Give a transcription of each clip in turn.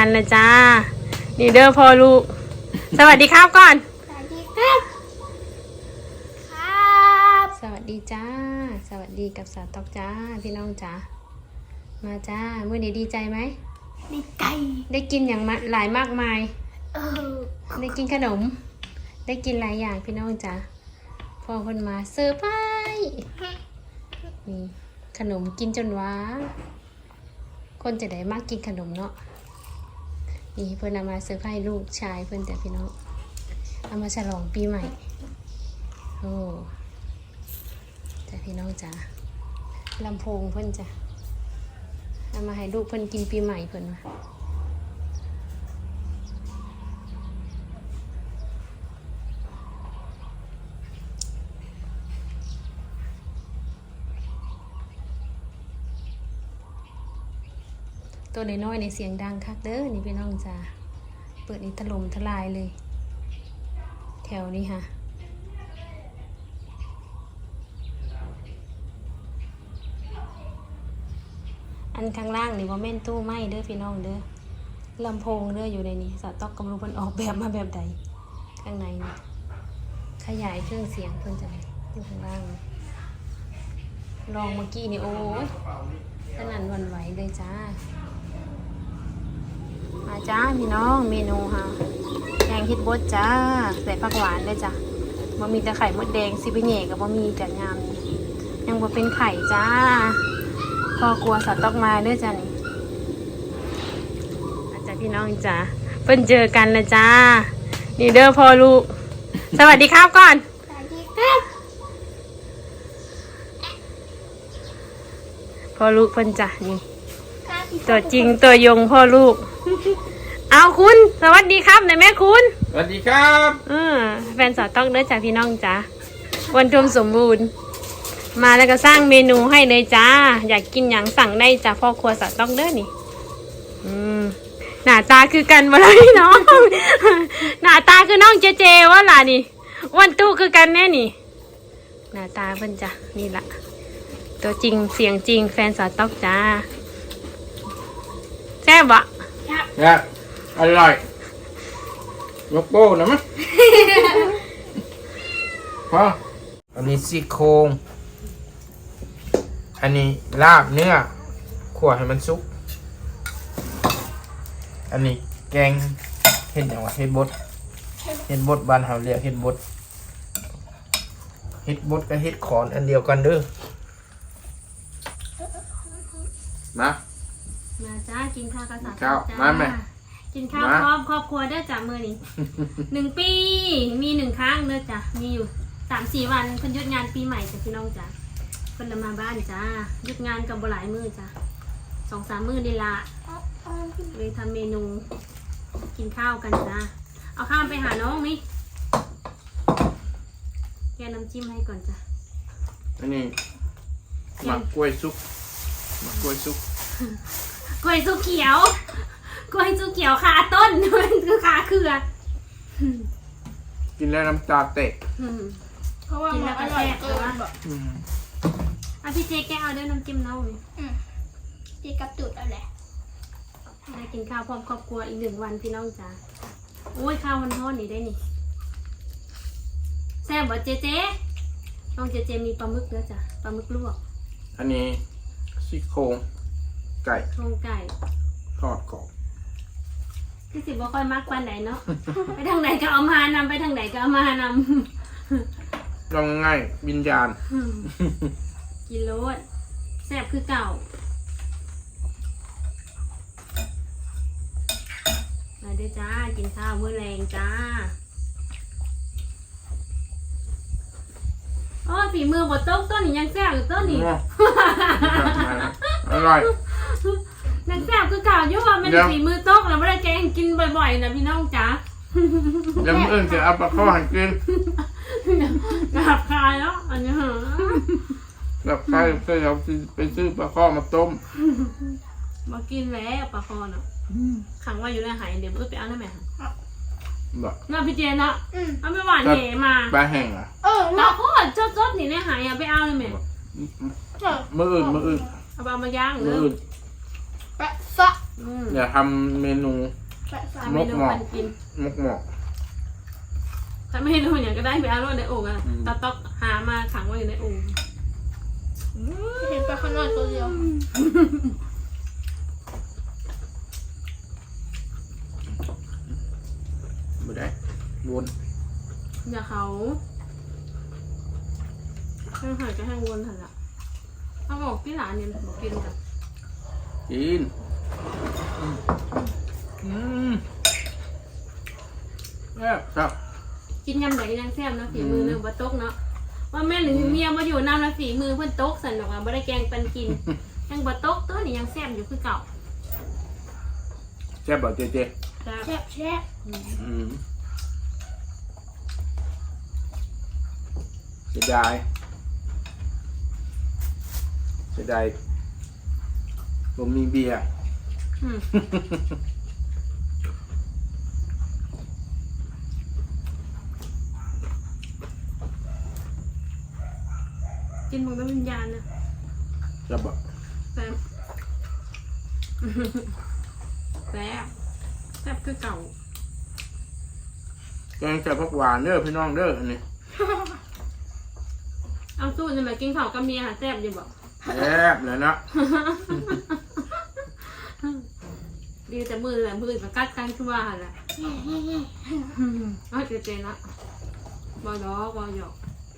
กันแล้วจ้านี่เด้อพ่อลูกสวัสดีครับก่อนสวัสดีครับครับสวัสดีจ้าสวัสดีกับสาวตอกจ้าพี่น้องจ้ามาจ้ามื้อนี้ดีใจไหมดีใจได้กินอย่างหลายมากมายได้กินขนมได้กินหลายอย่างพี่น้องจ้าพ่อคนมาเซอร์ไพรส์นี่ขนมกินจนว้าคนจะได้มากกินขนมเนาะนี่เพื่อนเอามาเซอร์ไพรส์ลูกชายเพื่อนแต่พี่น้องเอามาฉลองปีใหม่โอ้แต่พี่น้องจ้าลำโพงเพื่อนจ้ะเอามาให้ลูกเพื่อนกินปีใหม่เพื่อนมาตัวน้อยๆในเสียงดังคักเด้อนี่พี่น้องจ้าเปิดนี่ถล่มทลายเลยแถวนี้ค่ะอันข้างล่างนี่ว่าแม่นตู้ไม้เด้อพี่น้องเด้อลำโพงเด้ออยู่ในนี้สต๊อกกำลังมันออกแบบมาแบบใดข้างในนี่ขยายเครื่องเสียงเพิ่นจะอยู่ข้างล่างลองเมื่อกี้นี่โอ้ยสนั่นหวั่นไหวเลยจ้ามาจ้าพี่น้องเมนูค่ะแกงเฮ็ดบดจ้าใส่ผักหวานเลยจ้ะบ่มีแต่ไข่มดแดงซิไปแหน่กับบ่มีแต่งามยังบ่เป็นไข่จ้าพ่อกลัวสัตว์ตอกมาเด้อจ้ะนี่อาจารย์พี่น้องจ้าเพิ่นเจอกันแล้วจ้านี่เด้อพ่อลูกสวัสดีครับก่อนสวัสดีครับพ่อลูกเพิ่นจ้ะนี่ตัวจริงตัวยงพ่อลูกเอาคุณสวัสดีครับนายแม่คุณสวัสดีครับแฟนสาวต้องเด้อจ้ะพี่น้องจ้าวันทุมสมบูรณ์มาแล้วก็สร้างเมนูให้เลยจ้าอยากกินอย่างสั่งได้จ้ะพ่อครัวสาวต้องเด้อนี่หน้าตาคือกันบ่ล่ะพี่น้องหน้าตาคือน้องเจเจว่าล่ะนี่วันตู้คือกันแน่นี่หน้าตาเพิ่นจ้ะนี่ล่ะตัวจริงเสียงจริงแฟนสาวต้องจ้าแซ่บบ่ครับอร่อยยกโป้นะมั้ยพออันนี้ซี่โครงอันนี้ลาบเนื้อคั่วให้มันสุกอันนี้แกงเห็ดอย่างวะเห็ดบดบ้านเฮาเรียกเห็ดบดกับเห็ดขอนอันเดียวกันเด้อมาจ้ากินข้าวกับสาวจ้ามาไหมกินข้าวพร้อมครอบครัวเด้อจ้ามื้อนี้1 ปีมี1ครั้งเด้อจ้ามีอยู่3-4 วันเพิ่นหยุดงานปีใหม่จ้ะพี่น้องจ้าเพิ่นมาบ้านจ้าหยุดงานกับบ่หลายมื้อจ้า 2-3 มื้อนี่ล่ะเลยทำเมนูกินข้าวกันจ้าเอาข้าวไปหาน้องนี่แกน้ำจิ้มให้ก่อนจ้าอันนี้หมักกล้วยซุปกล้วยซุปเขียวกล้วยซุปเขียวคาต้นมันคือคาเครือกินแล้วน้ำตาเตะเพราะว่ามันอร่อยเกินพี่เจแกเอาด้วยน้ำจิ้มเน่านี่จีกับจุดอะไรได้กินข้าวพร้อมครอบครัวอีก1 วันพี่น้องจ้าโอ้ยข้าวมันทอดนี่ได้นี่แซ่บบ่เจน้องเจมีปลาหมึกแล้วจ้ะปลาหมึกลวกอันนี้ซี่โครงไก่ทอดกรอบที่สิบ่ค่อยมักปานไหนเนาะ ไปทางไหนก็เอามานำไปทางไหนก็เอามานำลองง่ายวิญญาณกินโลดแซ่บคือเก่ามาด้วยจ้ากินข้าวมื้อแรงจ้าโอ้ฝีมือบดต้นนี่ยังแซ่บอยู่ต้นนี่อร่อยนังแซ่บคือเก่าอยู่ว่ามันฝีมือโต๊ะแล้วไม่ได้แกงกินบ่อยๆนะพี่น้องจ๋าแล้วมื้ออื่นจะเอาปลาข้าวหันกินกราบคายแล้วอันนี้เหรอกราบคายก็เราไปซื้อปลาข้าวมาต้มมากินแล้วปลาข้าวเนาะขังไว้อยู่ในหายเดี๋ยวไปเอาได้ไหมน่าพี่เจนเนาะเอาไปหวานเหมาปลาแห้งอ่ะเราก็จดนี่ในหายอ่ะไปเอาได้ไหมมื้ออื่นเอามาย่างเลยแปะซะอย่าทำเมนูสาทำเมนูปันกินมกหมอกถ้าไม่รู้อย่างก็ได้ไปเอารถในโอ่งอ่ะตาต๊อกหามาขังไว้อยู่ในโอ่งเห็นปลาข้างนอกตัวเดียวไม่ได้วนอย่าเขาแห้งหายก็แห้งวนหันละเขาบอกที่ร้านเนี่ยบอกกินกันกินครับกินยำไหนยังแซ่บนะฝีมือเนื้อบัตกเนาะว่าแม่หรือเมียมาอยู่น้ำแล้วฝีมือเพื่อนตกสันดอกว่าไม่ได้แกงปันกินยังบัตกตัวนี้ยังแซ่บอยู่คือเก่าแซ่บบ่เจ๊แซ่บแซ่บเสียดายผมมีเบียร์กินมันเป็นวิญญาณนะจะบอกแซ่บแซ่บแซ่บคือเก่าแกงแซ่บผักหวานเด้อพี่น้องเด้ออันนี้เอาสู้จะมากินข้าวกับเมียหาแซ่บอยู่บอกแซ่บเลยนะดีแต่มือแหละมือมากัดกันชั่วหันแหละเอาเจ๊ๆนะบอล้อบอหยอก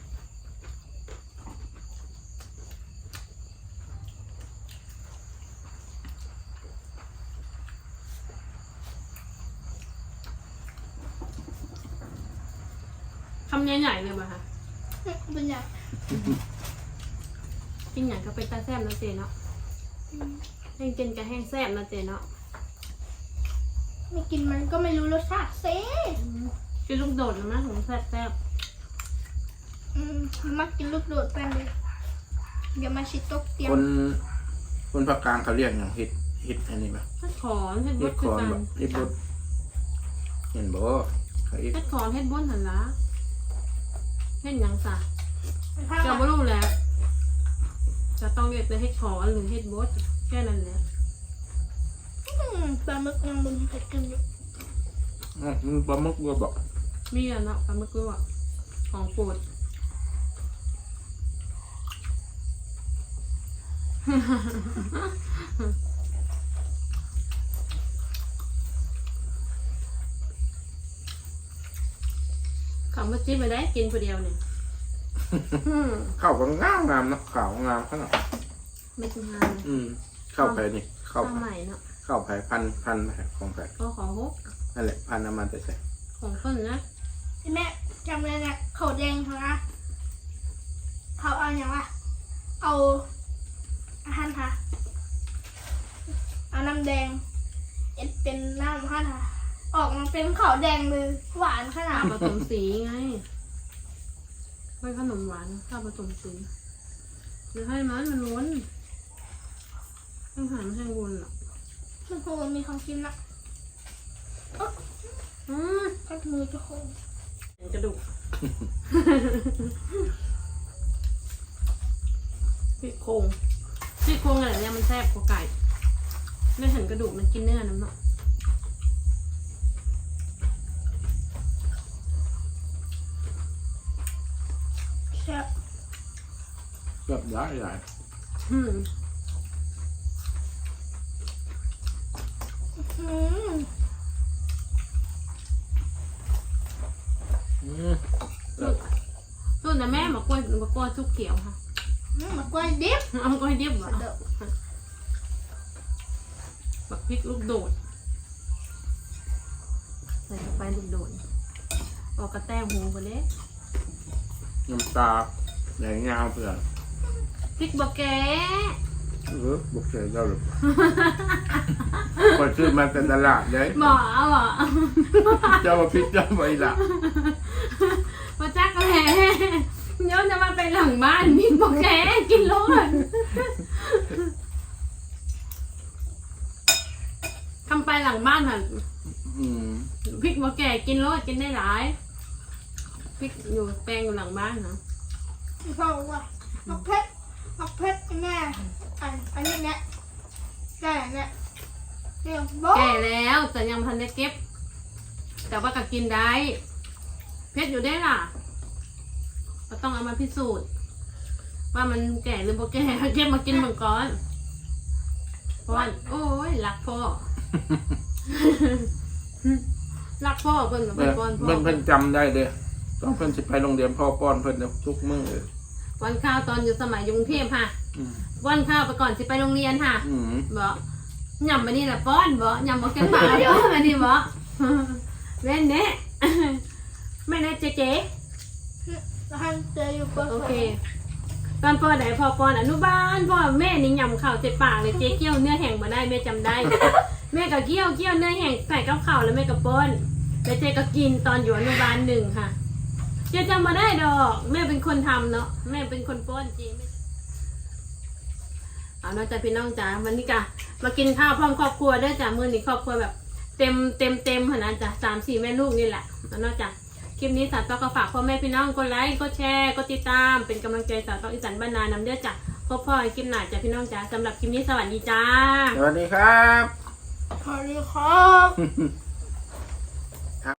คำใหญ่ๆเลยป่ะคะเป็นอย่างกินอย่างก็เป็นตาแซ่บนะเจเนาะแห้งกินกับแห้งแซ่บนะเจเนาะไม่กินมันก็ไม่รู้รสชาติเซ่กินลูกโดดนะมั้งของแซ่บแซ่บมักกินลูกโดดแป้งเลยเดี๋ยวมาชิดตกเตียงคนภาคกลางเขาเรียกอย่างเห็ดอันนี้ป่ะเฮ็ดขอนเฮ็ดบเห็ดดคืคออนกันแบบเห็ดบดเห็นบ่เขาเห็ดเฮ็ดขอนเฮ็ดบดหันละเฮ็ดหยังซะถ้าจะไม่รู้แหล้วจะต้องเรียกจะเฮ็ดขอนหรือเฮ็ดบดแค่นั้นแหละปลาหมึกยังมึงเผ็ดกันอยู่ปลาหมึกวัวบอกมีอ่ะเนาะปลาหมึกด้วยของโปรด เขามาจิ้มไปได้กินคนเดียวเนี่ยข้าวก็งามเนาะข้าวงามขนาดไม่กินงานข้าวไผ่นี่ข้าข้าว วใหม่เนาะข้าวไผ่พันของไผ่ก็ขอฮกนั่นแหละพันน้ำมันแต่ใส่ของเพิ่นนะแม่จำเลยนะเขาแดงเขานะเขาเอาอย่างวะเอาอาหารค่ะเอาน้ำแดงเอ็ดเป็นน้ำค่ะออกมาเป็นขาวแดงเลยหวานขนาข้าดวผสมสีไงไม่ขนมหวานข้าวผสมสีหรือให้มันล้วนต้องหาไม่ให้วนหรอกมันคงมีของกินละอืมก็มือจะคงกระดูก ซี่โครงอะไรเนี่ยมันแซ่บกว่าไก่ไม่เห็นกระดูกมันกินเนื้อน้ำเนาะแซ่บแบบใหญ่อืม ส่วนแต่แม่มากล้วยชุกเขียวค่ะมะกล้วยดิบเอากล้วยดิบเหรอเด้อบักพริกลูกโดดใส่เข้าไปลูกโดดออกกระแตหูไปเลยน้ำตาแดงยาวเพื่อนพริกบักแกบุกเสยเจ้าหรือคนซื้อมาแต่ตลาดเลยหมอเหรอเจ้ามาพิษเจ้าไปละมาจักแหล่ย้อนจะมาไปหลังบ้านพริกบักแกกินโลดทำไปหลังบ้านค่ะพริกบักแกกินโลดกินได้หลายพริกอยู่แปลงอยู่หลังบ้านนะเพราะว่ามักเพชรแม่อันนี้เนี่ยได้เนี่ยเดี๋ยวบอกแก่แล้วแต่ยังพันได้เก็บ แต่ว่าก็กินได้เพชรอยู่ได้ล่ะก็ต้องเอามาพิสูจน์ ว่ามันแก่หรือบ่แก่เก็บมากินเหมือนก่อนป้อนโอ้ยรักพ่อ รักพ่อเพิ่นกับเพิ่นป้อนพ่อเพิ่นจำได้เด้อต้องเพิ่นสิไปโรงเรียนพ่อป้อนเพิ่นทุกมื้อเลยป้อนข้าวตอนอยู่สมัยอยู่กรุงเทพค่ะอืมป้อนข้าวไปก่อนสิไปโรงเรียนค่ะอืมบ่ยำมานี่แหละป้อนบ่ยำบ่แกงป่าเดี๋ยวมานี่บ่แม่นเน่ แม่นเน่เจ๊แล้วให้เจออยู่ปโอเค ตอนป้อนไหนพอป้อนอนุบาลพ่อแม่นี่ยำข้าวเจ็ดปากเลยเจ๊เกี้ยวเนื้อแห้งมาได้แม่จำได้ แม่ก็เกี้ยวเนื้อแห้งใส่กับข้าวแล้วแม่ก็ป้อนแล้วเจ๊ก็กินตอนอยู่อนุบาล1ค่ะเจ๊จำมาได้ดอกแม่เป็นคนทำเนาะแม่เป็นคนป้อนเจ๊ไม่เอาเนาะจ้ะพี่น้องจ๋าวันนี้จ้ะมากินข้าวพร้อมครอบครัวด้วยจ้ะมื้อนี้ครอบครัวแบบเต็มขนาดจ้ะ3-4แม่ลูกนี่แหละเอาเนาะจ้ะคลิปนี้สาวต้องก็ฝากพ่อแม่พี่น้องกดไลค์กดแชร์กดติดตามเป็นกำลังใจสาวต้องอีสานบ้านนานำเด้อจ้ะพบพ่อคลิปหน้าจ้ะพี่น้องจ๋าสำหรับคลิปนี้สวัสดีจ้าสวัสดีครับสวัสดีครับ